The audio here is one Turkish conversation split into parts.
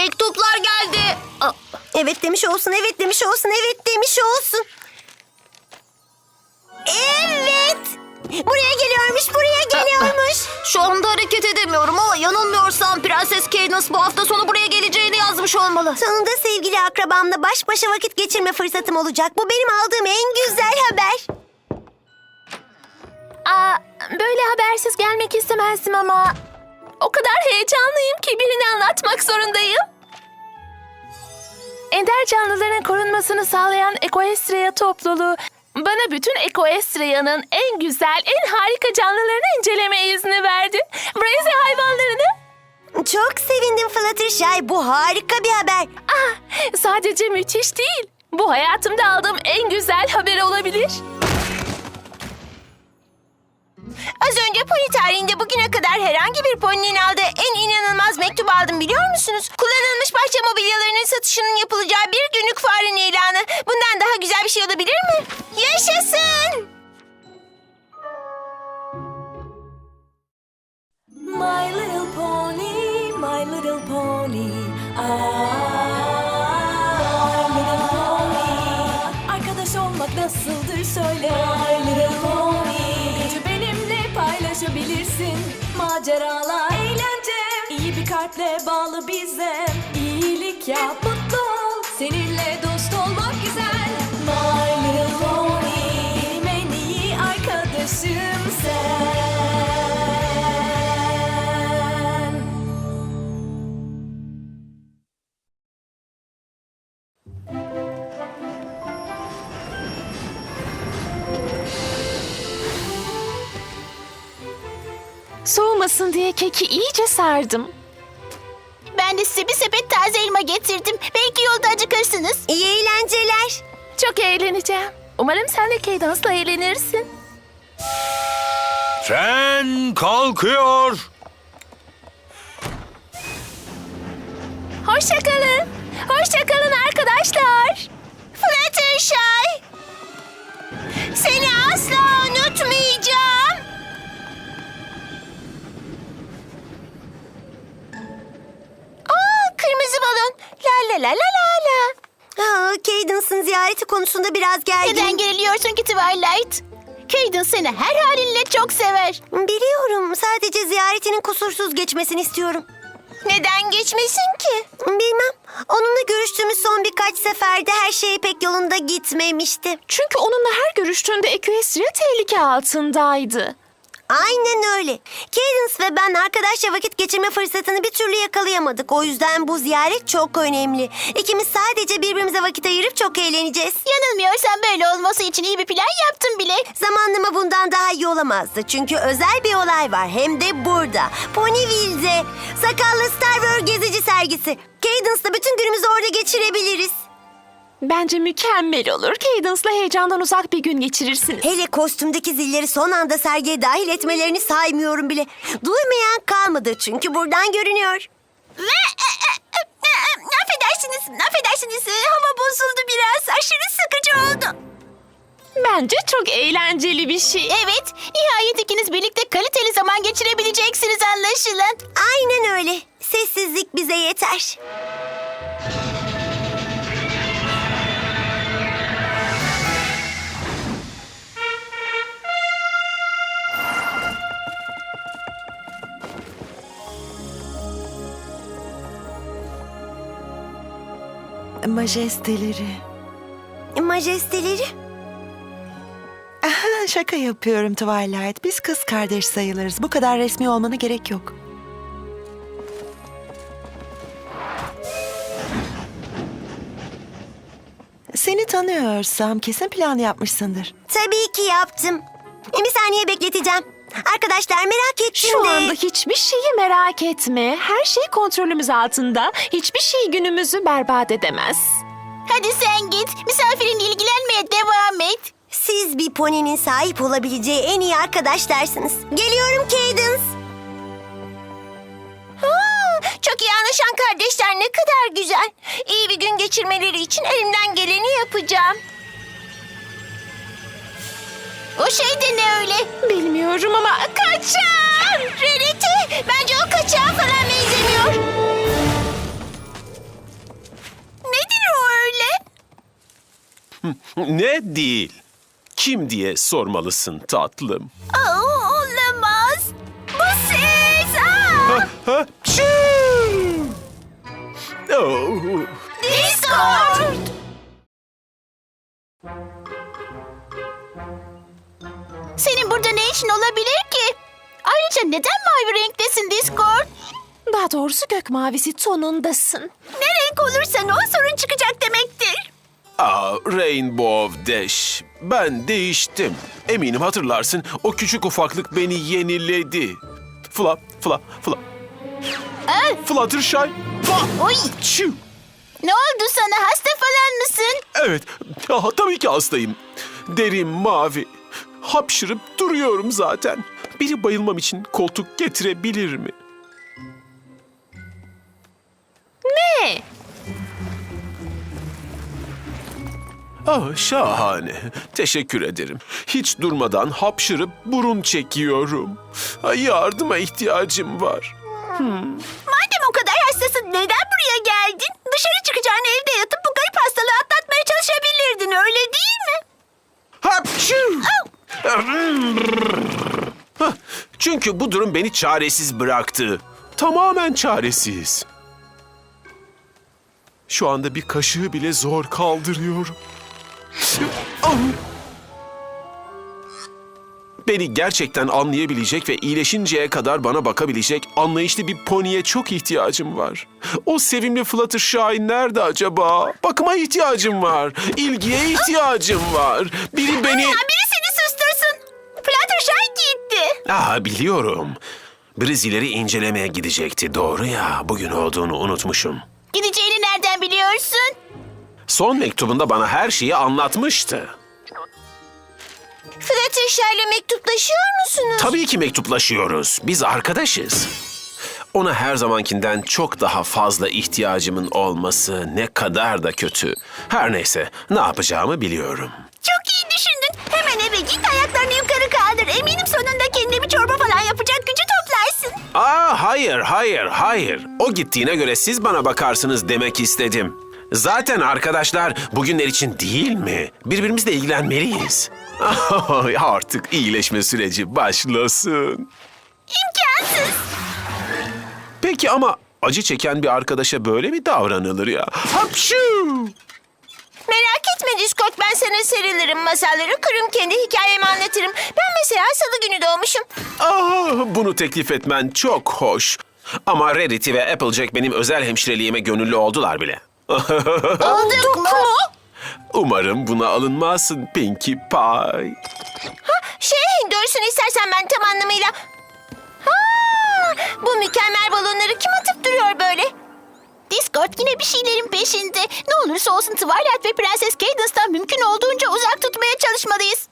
Mektuplar geldi. Evet demiş olsun, evet demiş olsun, evet demiş olsun. Evet. Buraya geliyormuş, buraya geliyormuş. Şu anda hareket edemiyorum ama yanılmıyorsam Prenses Cadance bu hafta sonu buraya geleceğini yazmış olmalı. Sonunda sevgili akrabamla baş başa vakit geçirme fırsatım olacak. Bu benim aldığım en güzel haber. Böyle habersiz gelmek istemezdim ama o kadar heyecanlıyım ki birini anlatmak zorundayım. Ender canlıların korunmasını sağlayan Equestria topluluğu bana bütün Equestria'nın en güzel, en harika canlılarını inceleme izni verdi. Brazy hayvanlarını. Çok sevindim Fluttershy. Bu harika bir haber. Sadece müthiş değil. Bu hayatımda aldığım en güzel haber olabilir. Az önce pony tarihinde bugüne kadar herhangi bir poninin aldığı en inanılmaz mektup aldım biliyor musunuz? Kullanılmış bahçe mobilyalarının satışının yapılacağı bir günlük fuarın ilanı. Bundan daha güzel bir şey olabilir mi? Yaşasın! My little pony, my little pony. My little pony. Arkadaş olmak nasıldır söyle. My little pony. Gücü benimle paylaşabilirsin. Maceralar, eğlence. İyi bir kalple bağlı bize. İyilik yap, mutlu ol. Seninle dost olmak güzel. My little pony. Benim en iyi arkadaşım sen. Soğumasın diye keki iyice sardım. Ben de size bir sepet taze elma getirdim. Belki yolda acıkırsınız. İyi eğlenceler. Çok eğleneceğim. Umarım sen de Cadance'la eğlenirsin. Tren kalkıyor. Hoşça kalın. Hoşça kalın arkadaşlar. Fluttershy. Seni asla unutmayacağım. Kırmızı balon. La la la la la la. Cadance'ın ziyareti konusunda biraz gergin. Neden geriliyorsun ki Twilight? Cadance seni her halinle çok sever. Biliyorum. Sadece ziyaretinin kusursuz geçmesini istiyorum. Neden geçmesin ki? Bilmem. Onunla görüştüğümüz son birkaç seferde her şey pek yolunda gitmemişti. Çünkü onunla her görüştüğünde Equestria tehlike altındaydı. Aynen öyle. Cadance ve ben arkadaşça vakit geçirme fırsatını bir türlü yakalayamadık. O yüzden bu ziyaret çok önemli. İkimiz sadece birbirimize vakit ayırıp çok eğleneceğiz. Yanılmıyorsam böyle olması için iyi bir plan yaptım bile. Zamanlama bundan daha iyi olamazdı. Çünkü özel bir olay var. Hem de burada. Ponyville'de. Sakallı Star Wars gezici sergisi. Cadance'la bütün günümüzü orada geçirebiliriz. Bence mükemmel olur. Cadance'la heyecandan uzak bir gün geçirirsiniz. Hele kostümdeki zilleri son anda sergiye dahil etmelerini saymıyorum bile. Duymayan kalmadı çünkü buradan görünüyor. Affedersiniz. Hava bozuldu biraz. Aşırı sıkıcı oldu. Bence çok eğlenceli bir şey. Evet, nihayet ikiniz birlikte kaliteli zaman geçirebileceksiniz anlaşılan. Aynen öyle. Sessizlik bize yeter. Majesteleri. Majesteleri. Aha, şaka yapıyorum Twilight. Biz kız kardeş sayılırız. Bu kadar resmi olmana gerek yok. Seni tanıyorsam kesin plan yapmışsındır. Tabii ki yaptım. Bir saniye bekleteceğim. Arkadaşlar merak ettim Şu de... anda hiçbir şeyi merak etme. Her şey kontrolümüz altında. Hiçbir şey günümüzü berbat edemez. Hadi sen git, misafirinle ilgilenmeye devam et. Siz bir poninin sahip olabileceği en iyi arkadaşlarsınız. Geliyorum Cadance. Çok iyi anlaşan kardeşler ne kadar güzel. İyi bir gün geçirmeleri için elimden geleni yapacağım. O şey de ne öyle? Bilmiyorum ama Kaçan! Rarity! Bence o kaçağa falan benzemiyor. Ne değil? Kim diye sormalısın tatlım. Olamaz. Bu siz. Aa! Hapşu! Oh. Discord. Senin burada ne işin olabilir ki? Ayrıca neden mavi renktesin Discord? Daha doğrusu gök mavisi tonundasın. Ne renk olursan o sorun çıkacak demektir. Rainbow Dash. Ben değiştim. Eminim hatırlarsın. O küçük ufaklık beni yeniledi. Fluttershy. Oy, Çiu. ne oldu sana? Hasta falan mısın? Evet, tabii ki hastayım. Derim mavi. Hapşırıp duruyorum zaten. Biri bayılmam için koltuk getirebilir mi? Ne? Şahane. Teşekkür ederim. Hiç durmadan hapşırıp burun çekiyorum. Yardıma ihtiyacım var. Madem o kadar hastasın neden buraya geldin? Dışarı çıkacağını evde yatıp bu garip hastalığı atlatmaya çalışabilirdin öyle değil mi? Hapşu! Çünkü bu durum beni çaresiz bıraktı. Tamamen çaresiz. Şu anda bir kaşığı bile zor kaldırıyorum. Beni gerçekten anlayabilecek ve iyileşinceye kadar bana bakabilecek anlayışlı bir poniye çok ihtiyacım var. O sevimli Fluttershy nerede acaba? Bakıma ihtiyacım var. İlgiye ihtiyacım var. Biri beni... Biri seni sustursun. Fluttershy gitti. Biliyorum. Brizileri incelemeye gidecekti. Doğru ya. Bugün olduğunu unutmuşum. Gideceğini nereden biliyorsun? Son mektubunda bana her şeyi anlatmıştı. Fluttershy ile mektuplaşıyor musunuz? Tabii ki mektuplaşıyoruz. Biz arkadaşız. Ona her zamankinden çok daha fazla ihtiyacımın olması ne kadar da kötü. Her neyse, ne yapacağımı biliyorum. Çok iyi düşündün. Hemen eve git ayaklarını yukarı kaldır. Eminim sonunda kendine bir çorba falan yapacak gücü toplarsın. Hayır. O gittiğine göre siz bana bakarsınız demek istedim. Zaten arkadaşlar bugünler için değil mi? Birbirimizle ilgilenmeliyiz. Artık iyileşme süreci başlasın. İmkansız. Peki ama acı çeken bir arkadaşa böyle mi davranılır ya? Hapşu! Merak etme Discord, ben sana sarılırım, masalları kurum, kendi hikayemi anlatırım. Ben mesela salı günü doğmuşum. Bunu teklif etmen çok hoş. Ama Rarity ve Applejack benim özel hemşireliğime gönüllü oldular bile. Olduk mu? Umarım buna alınmazsın Pinkie Pie. Doğrusunu istersen ben tam anlamıyla... Bu mükemmel balonları kim atıp duruyor böyle? Discord yine bir şeylerin peşinde. Ne olursa olsun Twilight ve Prenses Cadence'dan mümkün olduğunca uzak tutmaya çalışmalıyız.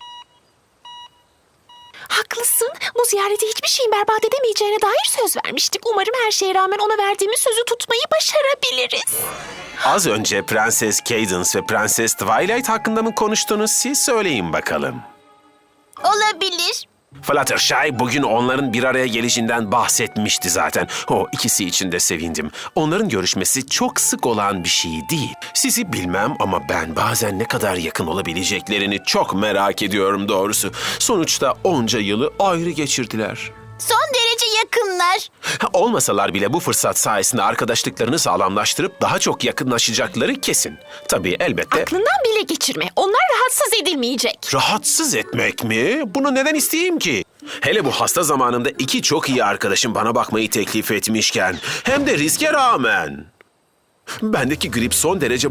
Haklısın. Bu ziyarete hiçbir şeyin berbat edemeyeceğine dair söz vermiştik. Umarım her şeye rağmen ona verdiğimiz sözü tutmayı başarabiliriz. Az önce Prenses Cadance ve Prenses Twilight hakkında mı konuştunuz? Siz söyleyin bakalım. Olabilir. Fluttershy bugün onların bir araya gelişinden bahsetmişti zaten. O ikisi için de sevindim. Onların görüşmesi çok sık olan bir şey değil. Sizi bilmem ama ben bazen ne kadar yakın olabileceklerini çok merak ediyorum doğrusu. Sonuçta onca yılı ayrı geçirdiler. Son derece yakınlar. Olmasalar bile bu fırsat sayesinde arkadaşlıklarını sağlamlaştırıp daha çok yakınlaşacakları kesin. Tabii elbette... Aklından bile geçirme. Onlar rahatsız edilmeyecek. Rahatsız etmek mi? Bunu neden isteyeyim ki? Hele bu hasta zamanımda iki çok iyi arkadaşım bana bakmayı teklif etmişken. Hem de riske rağmen. Bendeki grip son derece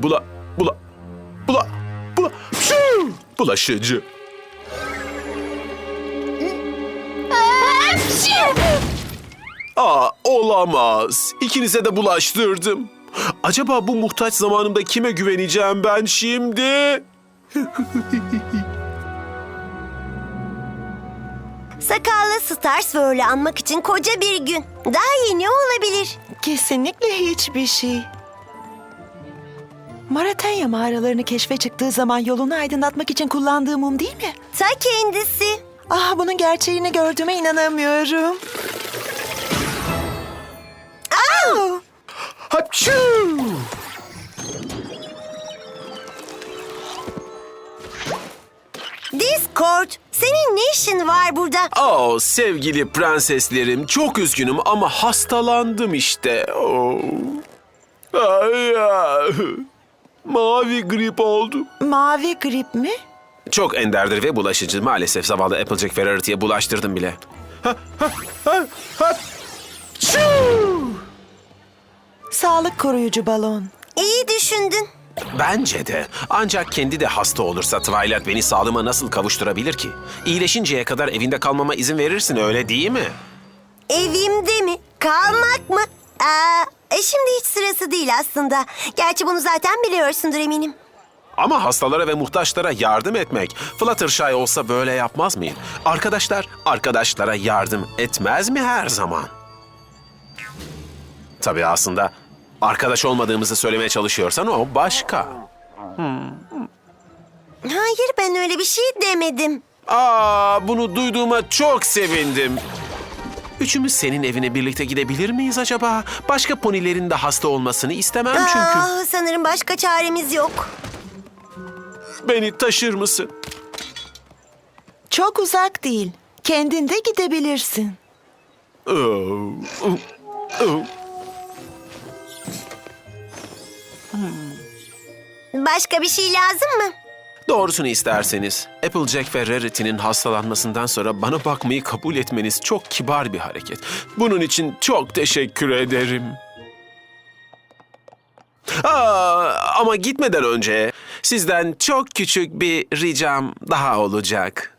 bulaşıcı. Olamaz. İkinize de bulaştırdım. Acaba bu muhtaç zamanımda kime güveneceğim ben şimdi? Sakallı Starswirl'ü anmak için koca bir gün. Daha iyi ne olabilir? Kesinlikle hiçbir şey. Maratanya mağaralarını keşfe çıktığı zaman yolunu aydınlatmak için kullandığı mum değil mi? Ta kendisi. Bunun gerçeğini gördüğüme inanamıyorum. Hapşu! Discord, senin ne işin var burada? Oh sevgili prenseslerim, çok üzgünüm ama hastalandım işte. Oh. Ay, ay. Mavi grip oldu. Mavi grip mi? Çok enderdir ve bulaşıcı. Maalesef zavallı Applejack ve Rarity'ye bulaştırdım bile. Sağlık koruyucu balon. İyi düşündün. Bence de. Ancak kendi de hasta olursa Twilight beni sağlığıma nasıl kavuşturabilir ki? İyileşinceye kadar evinde kalmama izin verirsin, öyle değil mi? Evimde mi? Kalmak mı? Şimdi hiç sırası değil aslında. Gerçi bunu zaten biliyorsundur eminim. Ama hastalara ve muhtaçlara yardım etmek. Fluttershy olsa böyle yapmaz mıyım? Arkadaşlar, arkadaşlara yardım etmez mi her zaman? Tabii aslında arkadaş olmadığımızı söylemeye çalışıyorsan o başka. Hayır, ben öyle bir şey demedim. Bunu duyduğuma çok sevindim. Üçümüz senin evine birlikte gidebilir miyiz acaba? Başka ponilerin de hasta olmasını istemem çünkü. Sanırım başka çaremiz yok. Beni taşır mısın? Çok uzak değil. Kendin de gidebilirsin. Başka bir şey lazım mı? Doğrusunu isterseniz, Applejack ve Rarity'nin hastalanmasından sonra bana bakmayı kabul etmeniz çok kibar bir hareket. Bunun için çok teşekkür ederim. Ama gitmeden önce sizden çok küçük bir ricam daha olacak.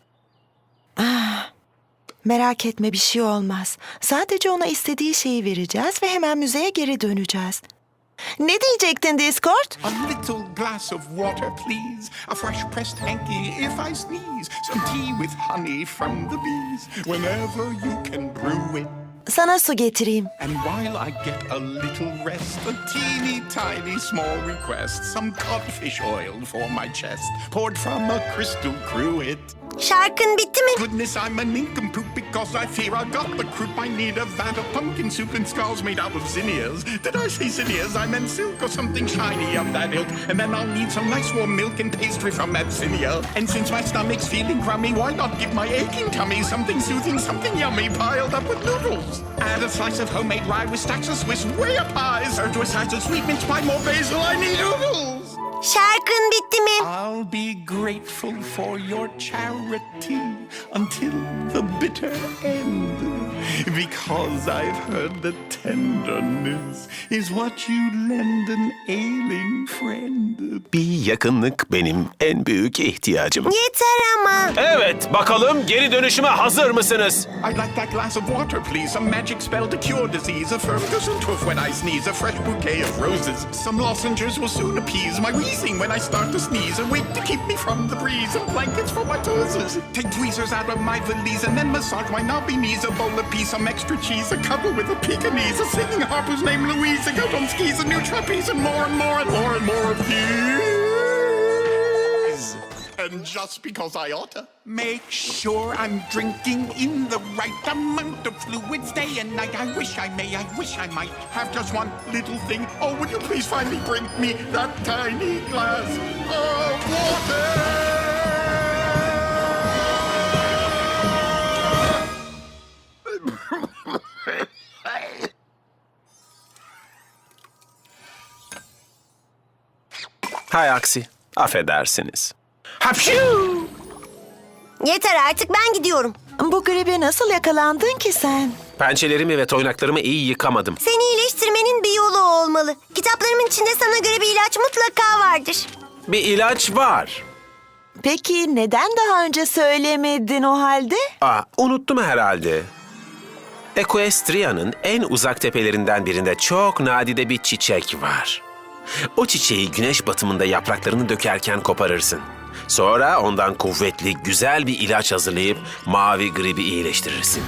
Merak etme, bir şey olmaz. Sadece ona istediği şeyi vereceğiz ve hemen müzeye geri döneceğiz. Ne diyecektin Discord? A little glass of water, please. A fresh pressed hanky if I sneeze. Some tea with honey from the bees. Whenever you can brew it. Sana su getireyim. And while I get a little rest, a teeny tiny small request. Some codfish oil for my chest. Poured from a crystal cruet. Şarkın bitti mi? Goodness, I'm a nincompoop because I fear I got the croup. I need a vat of pumpkin soup and skulls made out of zinnias. Did I say zinnias? I meant silk or something shiny of that ilk. And then I'll need some nice warm milk and pastry from that zinnia. And since my stomach's feeling crummy, why not give my aching tummy something soothing, something yummy piled up with noodles? Add a slice of homemade rye with stacks of Swiss way up high. Served with sides of sweet mince pie, more basil, I need noodles. Şarkın bitti mi? I'll be grateful for your charity until the bitter end. Because I've heard that tenderness is what you lend an ailing friend. Bir yakınlık benim en büyük ihtiyacım. Yeter ama. Evet, bakalım geri dönüşüme hazır mısınız? I'd like that glass of water, please. Some magic spell to cure disease. A Ferguson tooth when I sneeze. A fresh bouquet of roses. Some lozenges will soon appease my wheezing when I start to sneeze. A wig to keep me from the breeze. And blankets for my toes. Take tweezers out of my valise and then massage my knobby knees. A bowl of peas, some extra cheese. A couple with a Pekingese. A singing harp whose name Louise. A goat on skis. A new trapeze. And more and more and more and more of these. And just because I oughta make sure I'm drinking in the right amount of fluids day and night. I wish I may, I wish I might have just one little thing. Oh, would you please finally bring me that tiny glass of water? Hay aksi, affedersiniz. Hapşu! Yeter artık, ben gidiyorum. Bu gribe nasıl yakalandın ki sen? Pençelerimi ve toynaklarımı iyi yıkamadım. Seni iyileştirmenin bir yolu olmalı. Kitaplarımın içinde sana göre bir ilaç mutlaka vardır. Bir ilaç var. Peki neden daha önce söylemedin o halde? Unuttum herhalde. Equestria'nın en uzak tepelerinden birinde çok nadide bir çiçek var. O çiçeği güneş batımında yapraklarını dökerken koparırsın. Sonra ondan kuvvetli, güzel bir ilaç hazırlayıp mavi gribi iyileştirirsin.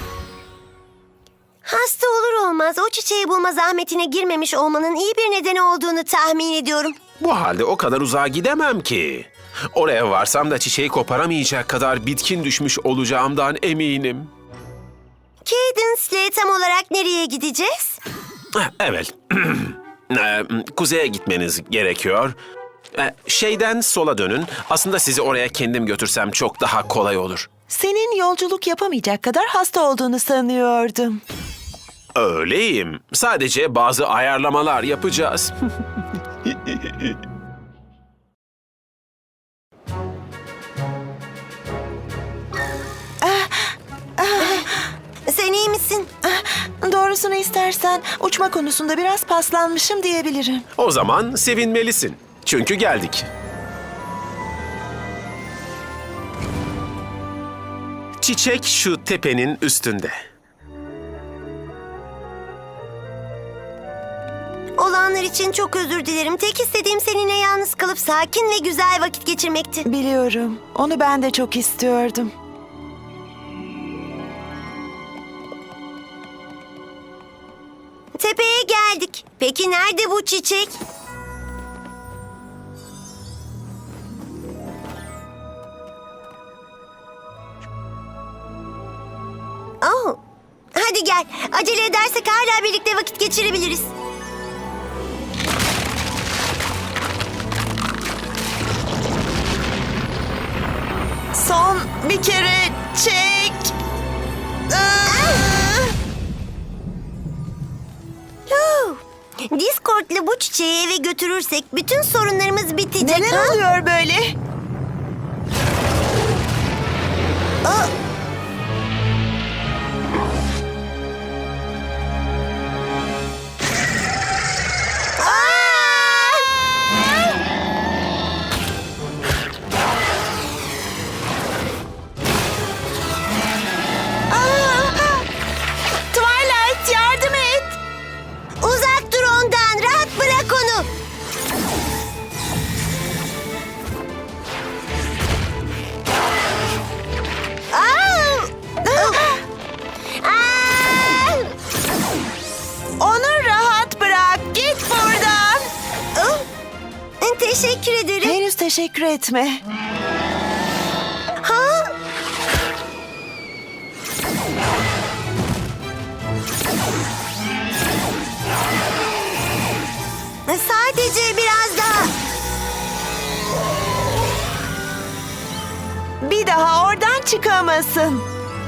Hasta olur olmaz o çiçeği bulma zahmetine girmemiş olmanın iyi bir nedeni olduğunu tahmin ediyorum. Bu halde o kadar uzağa gidemem ki. Oraya varsam da çiçeği koparamayacak kadar bitkin düşmüş olacağımdan eminim. Cadence'le tam olarak nereye gideceğiz? Evet. Kuzeye gitmeniz gerekiyor. Şeyden sola dönün. Aslında sizi oraya kendim götürsem çok daha kolay olur. Senin yolculuk yapamayacak kadar hasta olduğunu sanıyordum. Öyleyim. Sadece bazı ayarlamalar yapacağız. Sen iyi misin? Doğrusunu istersen uçma konusunda biraz paslanmışım diyebilirim. O zaman sevinmelisin. Çünkü geldik. Çiçek şu tepenin üstünde. Olanlar için çok özür dilerim. Tek istediğim seninle yalnız kalıp sakin ve güzel vakit geçirmekti. Biliyorum. Onu ben de çok istiyordum. Tepeye geldik. Peki nerede bu çiçek? Oh. Hadi gel. Acele edersek hala birlikte vakit geçirebiliriz. Son bir kere çek. Huh. Discord'la bu çiçeği eve götürürsek bütün sorunlarımız bitecek. Neler ha? oluyor böyle? Twilight yardım et. Uzak dur ondan. Rahat bırak onu. Onu rahat bırak. Git buradan. Teşekkür ederim. Henüz teşekkür etme. Ha? Sadece biraz daha. Bir daha oradan çıkamasın.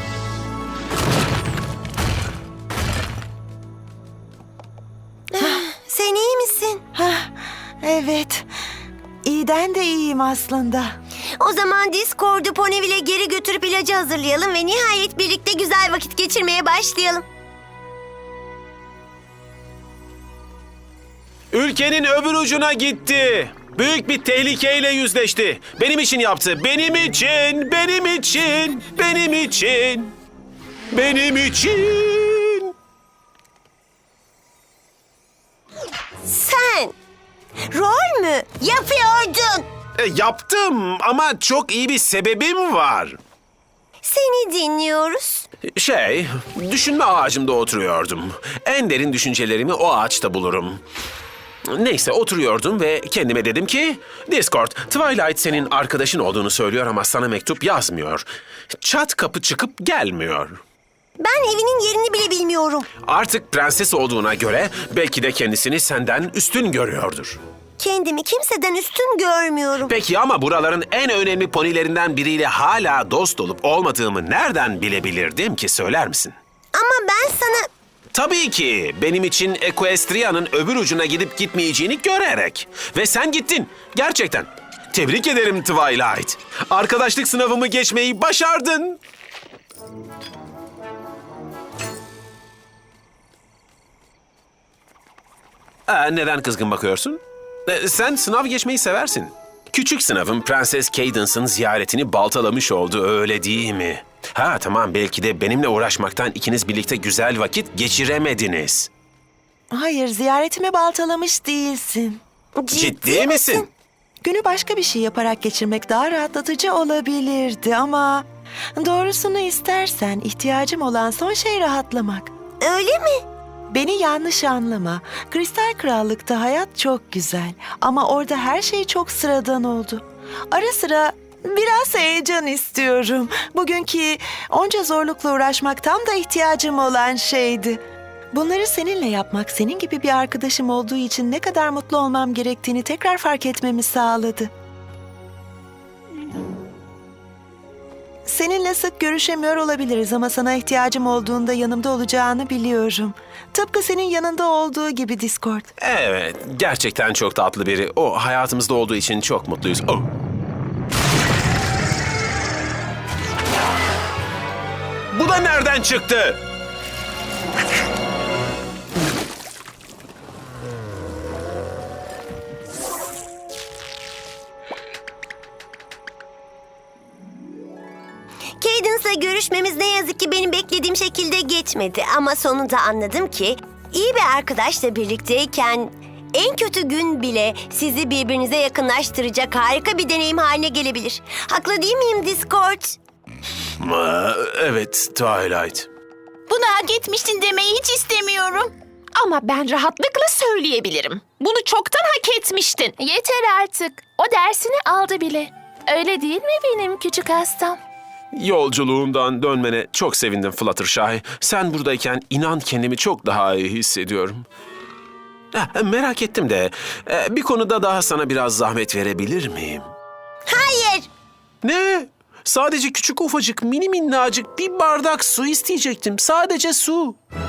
Sen iyi misin? Evet. İyiden de iyiyim aslında. O zaman Discord'u Ponyville'e geri götürüp ilacı hazırlayalım ve nihayet birlikte güzel vakit geçirmeye başlayalım. Ülkenin öbür ucuna gitti. Büyük bir tehlikeyle yüzleşti. Benim için yaptı. Benim için, benim için, benim için, benim için. Sen rol mü yapıyordun? Yaptım ama çok iyi bir sebebim var. Seni dinliyoruz. Düşünme ağacımda oturuyordum. En derin düşüncelerimi o ağaçta bulurum. Neyse oturuyordum ve kendime dedim ki... Discord, Twilight senin arkadaşın olduğunu söylüyor ama sana mektup yazmıyor. Çat kapı çıkıp gelmiyor. Ben evinin yerini bile bilmiyorum. Artık prenses olduğuna göre belki de kendisini senden üstün görüyordur. Kendimi kimseden üstün görmüyorum. Peki ama buraların en önemli ponilerinden biriyle hala dost olup olmadığımı nereden bilebilirdim ki, söyler misin? Ama ben sana... Tabii ki benim için Equestria'nın öbür ucuna gidip gitmeyeceğini görerek. Ve sen gittin. Gerçekten. Tebrik ederim Twilight. Arkadaşlık sınavımı geçmeyi başardın. Neden kızgın bakıyorsun? Sen sınav geçmeyi seversin. Küçük sınavın Prenses Cadence'ın ziyaretini baltalamış oldu, öyle değil mi? Ha tamam, belki de benimle uğraşmaktan ikiniz birlikte güzel vakit geçiremediniz. Hayır, ziyaretimi baltalamış değilsin. Ciddi misin? Günü başka bir şey yaparak geçirmek daha rahatlatıcı olabilirdi ama... Doğrusunu istersen ihtiyacım olan son şey rahatlamak. Öyle mi? Beni yanlış anlama. Kristal Krallık'ta hayat çok güzel ama orada her şey çok sıradan oldu. Ara sıra biraz heyecan istiyorum. Bugünkü onca zorlukla uğraşmak tam da ihtiyacım olan şeydi. Bunları seninle yapmak, senin gibi bir arkadaşım olduğu için ne kadar mutlu olmam gerektiğini tekrar fark etmemi sağladı. Seninle sık görüşemiyor olabiliriz ama sana ihtiyacım olduğunda yanımda olacağını biliyorum. Tıpkı senin yanında olduğu gibi Discord. Evet, gerçekten çok tatlı biri. O hayatımızda olduğu için çok mutluyuz. Oh. Bu da nereden çıktı? Cadence'la görüşmemiz ne yazık ki benim beklediğim şekilde geçmedi. Ama sonunda anladım ki iyi bir arkadaşla birlikteyken en kötü gün bile sizi birbirinize yakınlaştıracak harika bir deneyim haline gelebilir. Haklı değil miyim Discord? Evet, Twilight. Bunu hak etmiştin demeyi hiç istemiyorum. Ama ben rahatlıkla söyleyebilirim. Bunu çoktan hak etmiştin. Yeter artık. O dersini aldı bile. Öyle değil mi benim küçük hastam? Yolculuğumdan dönmene çok sevindim Fluttershy. Sen buradayken inan kendimi çok daha iyi hissediyorum. Merak ettim de bir konuda daha sana biraz zahmet verebilir miyim? Hayır. Ne? Sadece küçük ufacık mini minnacık bir bardak su isteyecektim. Sadece su.